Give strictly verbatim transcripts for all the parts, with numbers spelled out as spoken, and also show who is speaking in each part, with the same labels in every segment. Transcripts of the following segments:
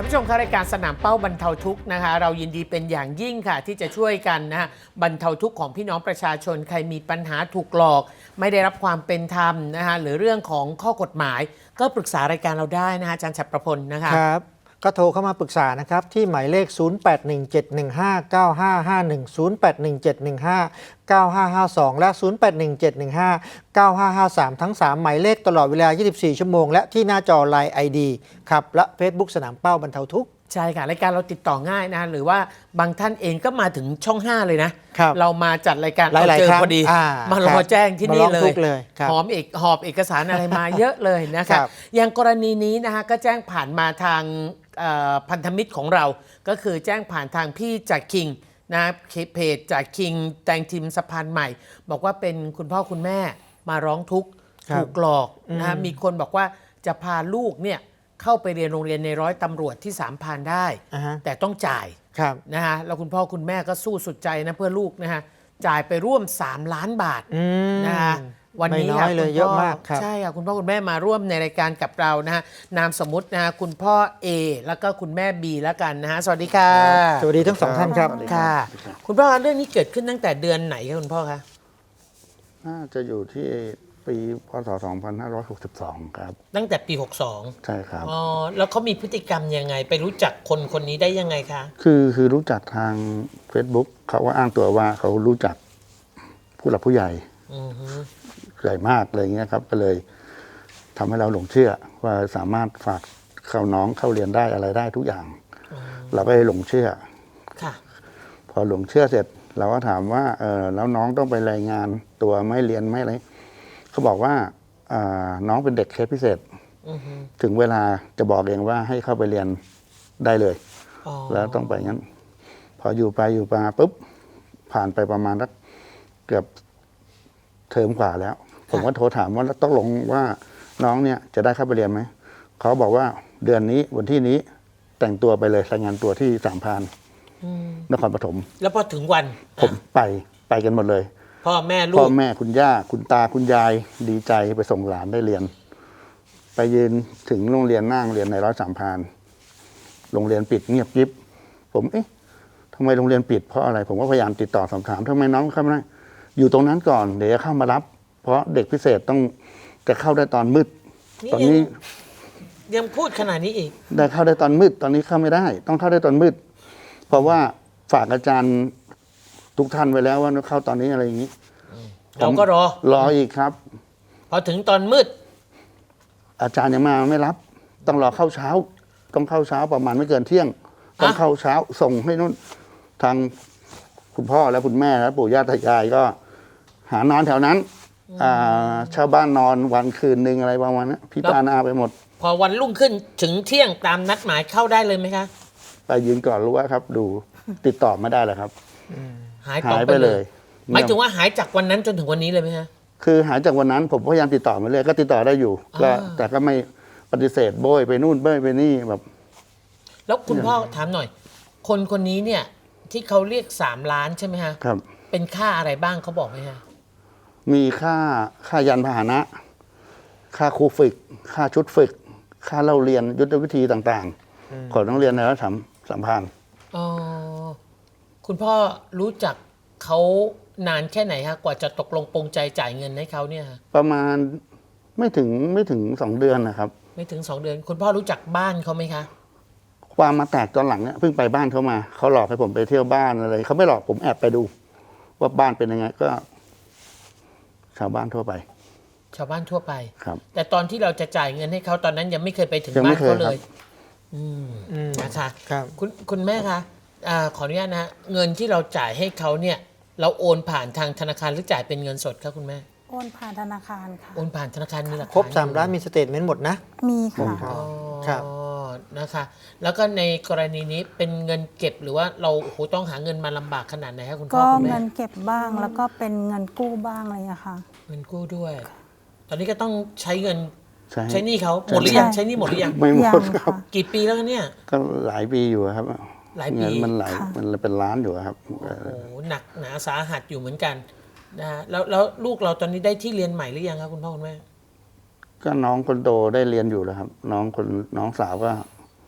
Speaker 1: ผู้ชมคะรายการสนามเป้าบรรเทาทุกข์นะคะเรายินดีเป็นอย่างยิ่งค่ะที่จะช่วยกันนะฮะบรรเทาทุกข์ของพี่น้องประชาชนใครมีปัญหาถูกหลอกไม่ได้รับความเป็นธรรมนะคะหรือเรื่องของข้อกฎหมายก็ปรึกษารายการเราได้นะคะอาจารย์ฉัตรประพลนะคะ
Speaker 2: ครับก็โทรเข้ามาปรึกษานะครับที่หมายเลข ศูนย์ แปด หนึ่ง เจ็ด หนึ่ง ห้า เก้า ห้า ห้า หนึ่ง ศูนย์ แปด หนึ่ง เจ็ด หนึ่ง ห้า เก้า ห้า ห้า สอง และ ศูนย์ แปด หนึ่ง เจ็ด หนึ่ง ห้า เก้า ห้า ห้า สาม ทั้ง สาม หมายเลขตลอดเวลา ยี่สิบสี่ ชั่วโมงและที่หน้าจอ ไลน์ ไอ ดี ครับและ Facebook สนามเป้าบรรเทาทุกข์
Speaker 1: ใช่ค่ะรายการเราติดต่อง่ายนะหรือว่าบางท่านเองก็มาถึงช่องห้าเลยนะเรามาจัดรายการเราเจอพอดีมารอแจ้งที่นี่เลยหอมเอกหอบเอกสารอะไรมาเยอะเลยนะคะอย่างกรณีนี้นะคะก็แจ้งผ่านมาทางพันธมิตรของเราก็คือแจ้งผ่านทางพี่จากคิงนะเพจจากคิงแตงทีมสะพานใหม่บอกว่าเป็นคุณพ่อคุณแม่มาร้องทุกข์ถูกหลอกนะมีคนบอกว่าจะพาลูกเนี่ยเข้าไปเรียนโรงเรียนในร้อยตำรวจที่สามพานได้ uh-huh. แต่ต้องจ่ายนะฮะแล้วคุณพ่อคุณแม่ก็สู้สุดใจนะเพื่อลูกนะฮะจ่ายไปร่วมสามล้านบาทนะฮะวันนี้ค่ะคุณพ่อใช่ค่ะคุณพ่อคุณแม่มาร่วมในรายการกับเรานะฮะนามสมมุตินะฮะคุณพ่อ A แล้วก็คุณแม่ B แล้วกันนะฮะสวัสดีค่ะ
Speaker 2: สวัสดีทั้งสองท่านครับ
Speaker 1: ค่ะคุณพ่อคะเรื่องนี้เกิดขึ้นตั้งแต่เดือนไหนคะคุณพ่อคะ
Speaker 3: น่าจะอยู่ที่ปีพ.ศ. สองพันห้าร้อยหกสิบสองครับ
Speaker 1: ตั้งแต่ปีหกสอง
Speaker 3: ใช่ครับ
Speaker 1: อ๋อแล้วเขามีพฤติกรรมยังไงไปรู้จักคนคนนี้ได้ยังไงคะ
Speaker 3: คือคือรู้จักทาง Facebook เขาว่าอ้างตัวว่าเขารู้จักผู้หลักผู้ใหญ่ใหญ่มากอะไรเงี้ยครับก็เลยทำให้เราหลงเชื่อว่าสามารถฝากเข้าน้องเข้าเรียนได้อะไรได้ทุกอย่างเราก็เลยหลงเชื่อค่ะพอหลงเชื่อเสร็จเราก็ถามว่าเออแล้วน้องต้องไปรายงานตัวไม่เรียนไม่อะไรเขาบอกว่าน้องเป็นเด็กเคสพิเศษถึงเวลาจะบอกเองว่าให้เข้าไปเรียนได้เลยแล้วต้องไปงั้นพออยู่ไปอยู่มาปุ๊บผ่านไปประมาณสักเกือบเทอมกว่าแล้วผมก็โทรถามว่าต้องลงว่าน้องเนี่ยจะได้เข้าไปเรียนไหมเขาบอกว่าเดือนนี้วันที่นี้แต่งตัวไปเลยรายงานตัวที่สามพานนครปฐม
Speaker 1: แล้วพอถึงวัน
Speaker 3: ผมไปไปกันหมดเลย
Speaker 1: พ่อแม่ลูก
Speaker 3: พ่อแม่คุณย่าคุณตาคุณยายดีใจไปส่งหลานได้เรียนไปยืนถึงโรงเรียนนั่งเรียนในร้อยสามพานโรงเรียนปิดเงียบยิบผมเอ๊ะทำไมโรงเรียนปิดเพราะอะไรผมก็พยายามติดต่อสอบถามทำไมน้องเข้าไม่ได้อยู่ตรงนั้นก่อนเดี๋ยวจะเข้ามารับเพราะเด็กพิเศษต้องจะเข้าได้ตอนมืดตอนนี้
Speaker 1: ยังพูดขนาดนี้อีก
Speaker 3: ได้เข้าได้ตอนมืดตอนนี้เข้าไม่ได้ต้องเข้าได้ตอนมืดเพราะว่าฝากอาจารย์ทุกท่านไว้แล้วว่าเข้าตอนนี้อะไรอย่างนี้
Speaker 1: เราก็รอ
Speaker 3: รออีกครับ
Speaker 1: พอถึงตอนมืด
Speaker 3: อาจารย์ยังมาไม่รับต้องรอเข้าเช้าต้องเข้าเช้าประมาณไม่เกินเที่ยงต้องเข้าเช้าส่งให้นู่นทางคุณพ่อและคุณแม่และปู่ย่าตายายก็หานอนแถวนั้นชาวบ้านนอนวันคืนหนึ่งอะไรประมาณนั้นพิจารณาไปหมด
Speaker 1: พอวันรุ่งขึ้นถึงเที่ยงตามนัดหมายเข้าได้เลยไหมคะ
Speaker 3: ไปยืนก่อนรู้ว่าครับดูติดต่อไม่ได้เลยครับ
Speaker 1: หายไปเลยหมายถึงว่าหายจากวันนั้นจนถึงวันนี้เลยไหมฮะ
Speaker 3: คือหายจากวันนั้นผมพยายามติดต่อมาเลยก็ติดต่อได้อยู่ก็แต่ก็ไม่ปฏิเสธโบยไปนู่นโบยไปนี่แบบ
Speaker 1: แล้วคุณพ่อถามหน่อยคนคนนี้เนี่ยที่เขาเรียกสามล้านใช่ไหมฮะ
Speaker 3: ครับ
Speaker 1: เป็นค่าอะไรบ้างเขาบอกไหมฮะ
Speaker 3: มีค่าค่ายันพาหนะค่าครูฝึกค่าชุดฝึกค่าเล่าเรียนยุทธวิธีต่างๆของนักเรียนในรัฐสัมพันธ์
Speaker 1: อ๋อคุณพ่อรู้จักเขานานแค่ไหนฮะกว่าจะตกลงปรงใจจ่ายเงินให้เขาเนี่ย
Speaker 3: ประมาณไม่ถึงไม่ถึงสองเดือนนะครับ
Speaker 1: ไม่ถึงสองเดือนคุณพ่อรู้จักบ้านเขาไหมคะ
Speaker 3: ความมาแตกตอนหลังเนี่ยเพิ่งไปบ้านเขามาเขาหลอกให้ผมไปเที่ยวบ้านอะไรเขาไม่หลอกผมแอบไปดูว่าบ้านเป็นยังไงก็ชาวบ้านทั่วไป
Speaker 1: ชาวบ้านทั่วไป
Speaker 3: ครับ
Speaker 1: แต่ตอนที่เราจะจ่ายเงินให้เขาตอนนั้นยังไม่เคยไปถึงบ้านเขาเลยอืมนะคะคุณคุณแม่คะขออนุญาตนะเงินที่เราจ่ายให้เขาเนี่ยเราโอนผ่านทางธนาคารหรือจ่ายเป็นเงินสดคะคุณแม่
Speaker 4: โอนผ่านธนาคารค่ะ
Speaker 1: โอนผ่านธนาคารมีหลักฐาน
Speaker 2: ครบสามล้านมีสเตทเมนต์หมดนะ
Speaker 4: มีค่ะ
Speaker 1: ครับนะคะแล้วก็ในกรณีนี้เป็นเงินเก็บหรือว่าเราโอ้โหต้องหาเงินมาลำบากขนาดไหนคะคุณพ่อคุณแม่
Speaker 4: ก็เงินเก็บบ้างแล้วก็เป็นเงินกู้บ้างอะไรอย่างค่ะ
Speaker 1: เงินกู้ด้วยตอนนี้ก็ต้องใช้เงินใช้หนี้เขาหมดหรือยังใช้หนี้หมดหรือยัง
Speaker 3: ไม่หมดครับ
Speaker 1: กี่ปีแล้วเนี่ย
Speaker 3: ก็หลายปีอยู่ครับ
Speaker 1: หลายปี
Speaker 3: มันหลายมันเป็นล้านอยู่ครับ
Speaker 1: โอ้โหหนักหนาสาหัสอยู่เหมือนกันนะแล้วแล้วลูกเราตอนนี้ได้ที่เรียนใหม่หรือยังครับคุณพ่อคุณแม่
Speaker 3: ก็น้องคนโตได้เรียนอยู่แล้วครับน้องคนน้องสาวก็ก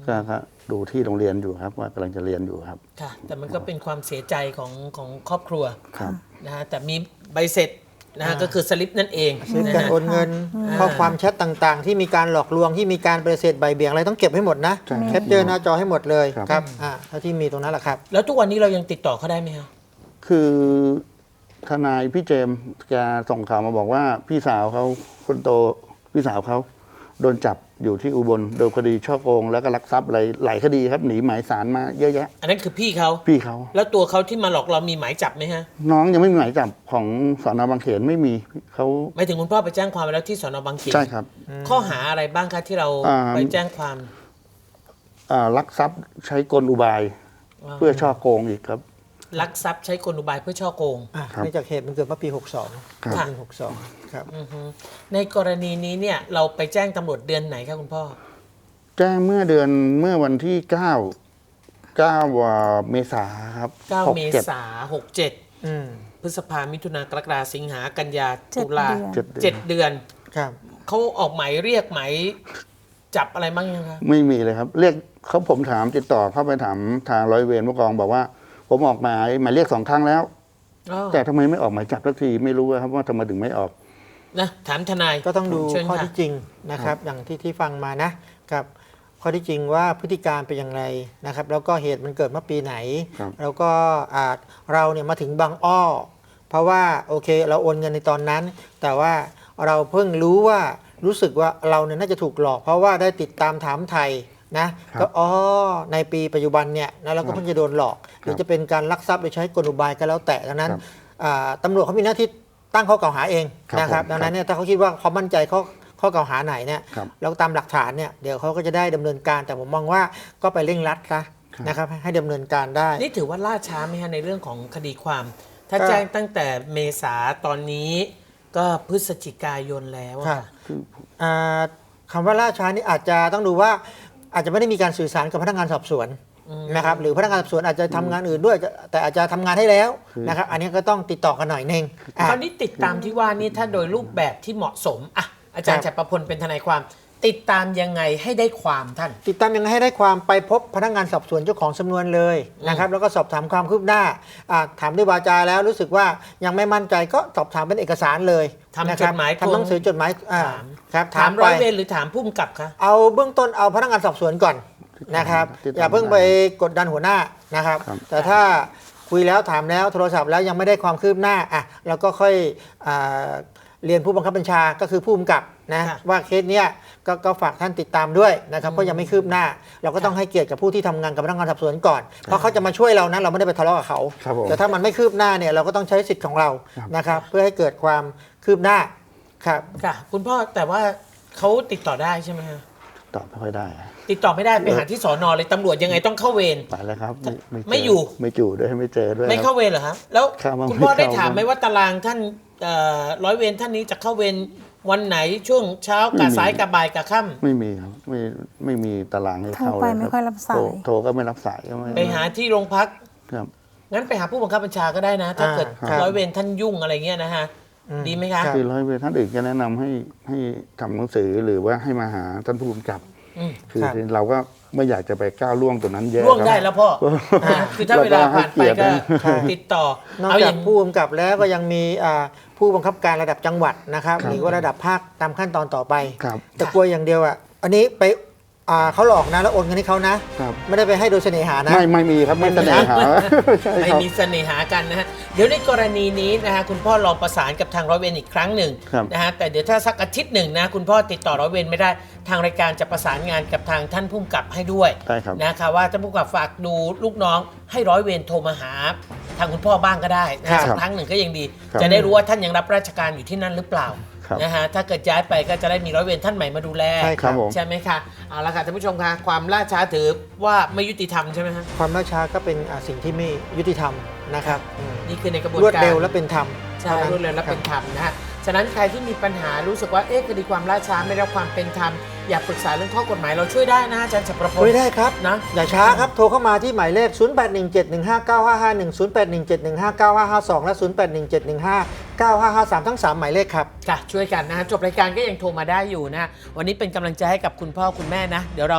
Speaker 3: ก็ก็ดูที่โรงเรียนอยู่ครับว่ากำลังจะเรียนอยู่ครับ
Speaker 1: ค่ะ แต่มันก็เป็นความเสียใจของของครอบครัว
Speaker 3: ครับ
Speaker 1: นะฮะแต่มีใบเสร็จนะฮะก็คือสลิปนั่นเอง
Speaker 2: เช่น
Speaker 1: นะ
Speaker 2: การ
Speaker 1: ฮะ
Speaker 2: โอนเงินข้อความแชทต่างๆ ที่มีการหลอกลวงที่มีการปฏิเสธใบเบี่ยงอะไรต้องเก็บให้หมดนะ
Speaker 3: ใช่
Speaker 2: แคปเจอร์หน้าจอให้หมดเลย
Speaker 3: ครับ
Speaker 2: ครับอ่าเท่าที่มีตรงนั้นแหละครับ
Speaker 1: แล้วทุกวันนี้เรายังติดต่อเขาได้ไหมฮะ
Speaker 3: คือทนายพี่เจมส์แกส่งข่าวมาบอกว่าพี่สาวเขาคนโตพี่สาวเขาโดนจับอยู่ที่อุบลโดนคดีช่อโกงแล้วก็ลักทรัพย์อะไรหลายคดีครับหนีหมายสารมาเยอะแยะ
Speaker 1: อันนั้นคือพี่เขา
Speaker 3: พี่เขา
Speaker 1: แล้วตัวเขาที่มาหลอกเรามีหมายจับไหมฮะ
Speaker 3: น้องยังไม่มีหมายจับของสอนอบางเขนไม่มีเขา
Speaker 1: หมายถึงคุณพ่อไปแจ้งความไว้แล้วที่สนบางเขน
Speaker 3: ใช่ครับ
Speaker 1: ข้อหาอะไรบ้างคะที่เรา
Speaker 3: อ่า
Speaker 1: ไปแจ้งความ
Speaker 3: อ่าลักทรัพย์ใช้กลอุบาย
Speaker 1: อ่า
Speaker 3: เพื่อช่อโกงอีกครับ
Speaker 1: ลักทรัพย์ใช้กลอุบายเพื่อช่อโกง
Speaker 2: อ่ะ
Speaker 3: ครับ
Speaker 2: เนื่องจากเหตุมันเกิดเมื่อปี หกสอง
Speaker 3: ครับ
Speaker 2: ปีหกสองครับ
Speaker 1: อือฮึในกรณีนี้เนี่ยเราไปแจ้งตำรวจเดือนไหนครับคุณพ่อ
Speaker 3: แจ้งเมื่อเดือนเมื่อวันที่เก้าเก้าเมษาครับ
Speaker 1: เก้า
Speaker 3: หก
Speaker 1: เม
Speaker 3: จ็ด
Speaker 1: ษาหกเจ็ด
Speaker 2: อืม
Speaker 1: พฤษภามิถุนากรกฎาสิงหากันยา
Speaker 4: เจ็ด
Speaker 1: ตุลา
Speaker 4: เดือน
Speaker 3: เจ็ดเดือน
Speaker 1: เจ็ดเดือน
Speaker 2: ครับ
Speaker 1: เขาออกหมายเรียกหมายจับอะไรบ้างยังคะ
Speaker 3: ไม่มีเลยครับ เรียกเขาผมถามติดต่อเข้าไปถามทางร้อยเวรผู้กองบอกว่า ผมออกหมายหมายเรียกสองครั้งแล้ว
Speaker 1: อ๋อ
Speaker 3: แต่ทำไมไม่ออกหมายจับสักทีไม่รู้ครับว่าทำไมถึงไม่ออก
Speaker 1: นะถามทนาย
Speaker 2: ก็ต้องดู
Speaker 1: เชิญ
Speaker 2: ข้อ
Speaker 1: ค่ะ
Speaker 2: ที่จริงนะครับ อย่างที่ที่ฟังมานะครับ ข้อที่จริงว่าพฤติการเป็นอย่างไรนะครับ แล้วก็เหตุมันเกิดเมื่อปีไหน
Speaker 3: ครับ
Speaker 2: แล้วก็อาจเราเนี่ยมาถึงบางอ้อ เพราะว่าโอเคเราโอนเงินในตอนนั้น แต่ว่าเราเพิ่งรู้ว่ารู้สึกว่าเราเนี่ยน่าจะถูกหลอก เพราะว่าได้ติดตามถามไทยนะก็อ๋อในปีปัจจุบันเนี่ยนะเราก็เพิ่งจะโดนหลอก หรือจะเป็นการลักทรัพย์โดยใช้กลอุบายก็แล้วแต่ดังนั้น
Speaker 3: ครับ
Speaker 2: อ่าตำรวจเขามีหน้าที่ตั้งข้อกล่าวหาเอง
Speaker 3: ครับ
Speaker 2: นะครับ
Speaker 3: ผม
Speaker 2: ดังนั้นเนี่ยถ้าเขาคิดว่าเขามั่นใจข้อข้อกล่าวหาไหนเนี่ย
Speaker 3: ครับ
Speaker 2: แล้วตามหลักฐานเนี่ยเดี๋ยวเขาก็จะได้ดำเนินการแต่ผมมองว่าก็ไปเร่งรัดซะนะครับให้ให้ดำเนินการได้
Speaker 1: นี่ถือว่าล่าช้าไหมฮะในเรื่องของคดีความ ถ้า
Speaker 2: ก็
Speaker 1: แจ้งตั้งแต่เมษาตอนนี้ก็พฤศจิกายนแล้วอะ
Speaker 2: ค่ะอ่าคำว่าล่าช้านี่อาจจะต้องดูว่าอาจจะไม่ได้มีการสื่อสารกับพนักงานสอบสวนนะครับหรือพนักงานสอบสวนอาจจะทำงานอื่นด้วยแต่อาจจะทำงานให้แล้วนะครับอันนี้ก็ต้องติดต่อกันหน่อยนึงอ่ะ
Speaker 1: คราวนี้ติดตามที่ว่านี่ถ้าโดยรูปแบบที่เหมาะสมอ่ะอาจารย์
Speaker 2: ครั
Speaker 1: จั
Speaker 2: บ
Speaker 1: กรพลเป็นทนายความ ติดตามยังไงให้ได้ความท่าน
Speaker 2: ติดตามยังไงให้ได้ความไปพบพนักงานสอบสวนเจ้าของสำนวนเลยนะครับแล้วก็สอบถามความคืบหน้าอ่าถามด้วยวาจาแล้วรู้สึกว่ายังไม่มั่นใจก็สอบถามเป็นเอกสารเลย
Speaker 1: ทำ
Speaker 2: นะครั
Speaker 1: จดหมาย
Speaker 2: ทำหนังสือจดหมายอ่า
Speaker 1: ถาม
Speaker 2: ครับ
Speaker 1: ถาม
Speaker 2: ไป
Speaker 1: ร้อยเวรหรือถามผู้กำกับคะ
Speaker 2: เอาเบื้องต้นเอาพนักงานสอบสวนก่อนนะครับ
Speaker 3: ติดตาม
Speaker 2: อย่าเพิ่งไปกดดันหัวหน้านะครับ
Speaker 3: ครับ
Speaker 2: แต่ถ้าคุยแล้วถามแล้วโทรศัพท์แล้วยังไม่ได้ความคืบหน้าอ่ะเราก็ค่อยอ่าเรียนผู้บังคับบัญชาก็คือผู้กำกับนะว่าเคสเนี้ยก็ก็ฝากท่านติดตามด้วยนะครับเพราะยังไม่คืบหน้า เราก็ต้องให้เกียรติกับผู้ที่ทำงานกับพนักงานสอบสวนก่อน เพราะเขาจะมาช่วยเรานะเราไม่ได้ไปทะเลาะกับเขา
Speaker 3: ครับผม
Speaker 2: แต่ถ้ามันไม่คืบหน้าเนี่ยเราก็ต้องใช้สิทธิ์ของเรา
Speaker 3: ครับ
Speaker 2: นะครับเพื่อให้เกิดความคืบหน้าครับ
Speaker 1: ค่ะ คุณพ่อแต่ว่าเขาติดต่อได้ใช่ไหมฮะ
Speaker 3: ตอบไม่ค่อยได้
Speaker 1: ติดต่อไม่ได้ไปหาที่สอนอเลยตำรวจยังไงต้องเข้าเวร
Speaker 3: ไปแล้วครับเจ
Speaker 1: ไม่อยู่
Speaker 3: ไม่อยู่ด้วยไม่เจอด้วย
Speaker 1: ไม่
Speaker 3: ค
Speaker 1: เข้า
Speaker 3: รับ
Speaker 1: เวรเหรอครับแล้ว
Speaker 3: เข้ามา
Speaker 1: คุณพ่อ
Speaker 3: ไม่
Speaker 1: ได้
Speaker 3: เข้า
Speaker 1: ถามไหมว่าตารางท่านเอ่อร้อยเวรท่านนี้จะเข้าเวรวันไหนช่วงเช้ากับสายกับบ่ายกับค่ำ
Speaker 3: ไม่มีครับไม่ไม่มีตารางให้เข้า
Speaker 4: โทรไป
Speaker 3: เลย
Speaker 4: ไม่ค่อยรับสาย
Speaker 3: โทโทรก็ไม่รับสายก็ไม่
Speaker 1: ไปหาที่โรงพัก
Speaker 3: ครับ
Speaker 1: งั้นไปหาผู้บังคับบัญชาก็ได้นะ ถ้าเกิด
Speaker 2: ครับ
Speaker 1: ร้อยเวรท่านยุ่งอะไรเงี้ยนะฮะ
Speaker 2: อืม
Speaker 1: ดีไหมคะ
Speaker 2: ครับ
Speaker 3: คือร้อยเวรท่านอื่นก็แนะนำให้ให้ทำหนังสือหรือว่าให้มาหาท่านผู้กำกับ
Speaker 1: อืม
Speaker 3: คือ
Speaker 2: ครับ
Speaker 3: เราก็ไม่อยากจะไปก้าวล่วงตรงนั้นเยอะ
Speaker 1: ร่วง
Speaker 3: ครับ
Speaker 1: ได้แล้วพ่ออ่าคือถ้าเวลาผ่านไปก็
Speaker 2: ใช่
Speaker 1: ติดต่อ
Speaker 2: นอก
Speaker 1: เอาอ
Speaker 2: จา
Speaker 1: ย่าก ง
Speaker 2: ผู้กำกับแล้วก็ยังมีอ่าผู้บังคับการระดับจังหวัดนะครับ
Speaker 3: ครับ
Speaker 2: หรือว่าระดับภาคตามขั้นตอนต่อไป
Speaker 3: ครับ
Speaker 2: แต่กลัวอย่างเดียวอ่ะอันนี้ไปอ่าเขาหลอกนะแล้วโอนเงินให้เขานะ
Speaker 3: ครับ
Speaker 2: ไม่ได้ไปให้โดยเสน่หานะ
Speaker 3: ไม่ไม่มีครับไม่เสน่หาใช่
Speaker 1: ไม่
Speaker 3: ครับ
Speaker 1: มีเสน่หากันนะฮะ เดี๋ยวในกรณีนี้นะฮะคุณพ่อลองประสานกับทางร้อยเวรอีกครั้งหนึ่ง
Speaker 3: ครับ
Speaker 1: นะฮะแต่เดี๋ยวถ้าสักอาทิตย์หนึ่งนะคุณพ่อติดต่อร้อยเวรไม่ได้ทางรายการจะประสานงานกับทางท่านผู้กำกับให้ด้วย
Speaker 3: ได้ครับ
Speaker 1: นะคะว่าท่านผู้กำกับฝากดูลูกน้องให้ร้อยเวรโทรมาหาทางคุณพ่อบ้างก็ได้นะ
Speaker 2: ครั
Speaker 1: ฮะ
Speaker 2: บ
Speaker 1: สักครั้งหนึ่งก็ยังดี
Speaker 3: ครับ
Speaker 1: จะได้รู้ว่าท่านยังรับราชการอยู่ที่นั่นหรือเปล่า
Speaker 3: ครับ
Speaker 1: นะฮะถ้าเกิดย้ายไปก็จะได้มีร้อยเวรท่านใหม่มาดูแล
Speaker 2: ใช่ครับ
Speaker 3: ผม
Speaker 1: ใช่ไหมคะเอาละค่ะท่านผู้ชมคะความล่าช้าถือว่าไม่ยุติธรรมใช่ไหมฮะ
Speaker 2: ความล่าช้าก็เป็นอ่าสิ่งที่ไม่ยุติธรรมนะครับอืม
Speaker 1: นี่คือในกระบวน
Speaker 2: รวด
Speaker 1: การ
Speaker 2: เร็วและเป็นธรรม
Speaker 1: ใช่
Speaker 2: ท่านั้น
Speaker 1: รวดเร็วและเป็น
Speaker 2: ครับ
Speaker 1: ธรรมนะฮะ ฉะนั้นใครที่มีปัญหารู้สึกว่าเอ๊ะคดีความล่าช้าไม่ได้รับความเป็นธรรมอยากปรึกษาเรื่องข้อกฎหมายเราช่วยได้นะอาจารย์ฉัตรพล
Speaker 2: คุยได้ครับ
Speaker 1: นะ
Speaker 2: อย่าช้าครับ โทรเข้ามาที่หมายเลข ศูนย์ แปด หนึ่ง เจ็ด หนึ่ง ห้า เก้า ห้า ห้า หนึ่ง ศูนย์ แปด หนึ่ง เจ็ด หนึ่ง ห้า เก้า ห้า ห้า สอง และ ศูนย์ แปด หนึ่ง เจ็ด หนึ่ง ห้า เก้า ห้า ห้า สาม ทั้ง สาม หมายเลขครับ
Speaker 1: ค่ะช่วยกันนะฮะจบรายการก็ยังโทรมาได้อยู่นะฮะวันนี้เป็นกำลังใจให้กับคุณพ่อคุณแม่นะ เดี๋ยวเรา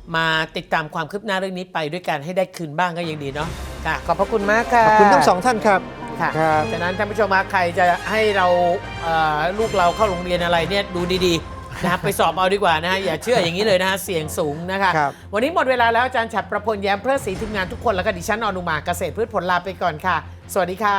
Speaker 1: มาติดตามความคืบหน้าเรื่องนี้ไปด้วยกันให้ได้คืนบ้างก็ยังดีเนาะค่ะขอบพระคุณมากค่ะ
Speaker 2: ขอบคุณทั้งสองท่านครับ
Speaker 1: ค่ะ
Speaker 2: ครับ
Speaker 1: ฉะนั้นท่านผู้ชมมาใครจะให้เราเอ่อลูกเราเข้าโรงเรียนอะไรเนี่ยดูดีๆนะครับไปสอบเอาดีกว่านะฮะอย่าเชื่ออย่างนี้เลยนะฮะเสี่ยงสูงนะคะ
Speaker 2: ครับ
Speaker 1: วันนี้หมดเวลาแล้วอาจารย์ฉัตรประพลแย้มเพื่อศรีทีมงานทุกคนแล้วก็ดิฉันอนุมาเกษตรพืชผลลาไปก่อนค่ะ สวัสดีค่ะ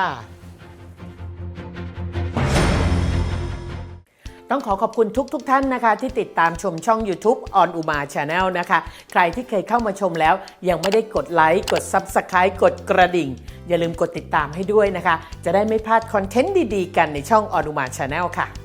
Speaker 1: ต้องขอขอบคุณทุกๆทท่านนะคะที่ติดตามชมช่อง YouTube On Uma Channel นะคะใครที่เคยเข้ามาชมแล้วยังไม่ได้กดไลค์กด Subscribe กดกระดิ่ง อย่าลืมกดติดตามให้ด้วยนะคะจะได้ไม่พลาดคอนเทนต์ดีๆกันในช่อง On Uma Channel ค่ะ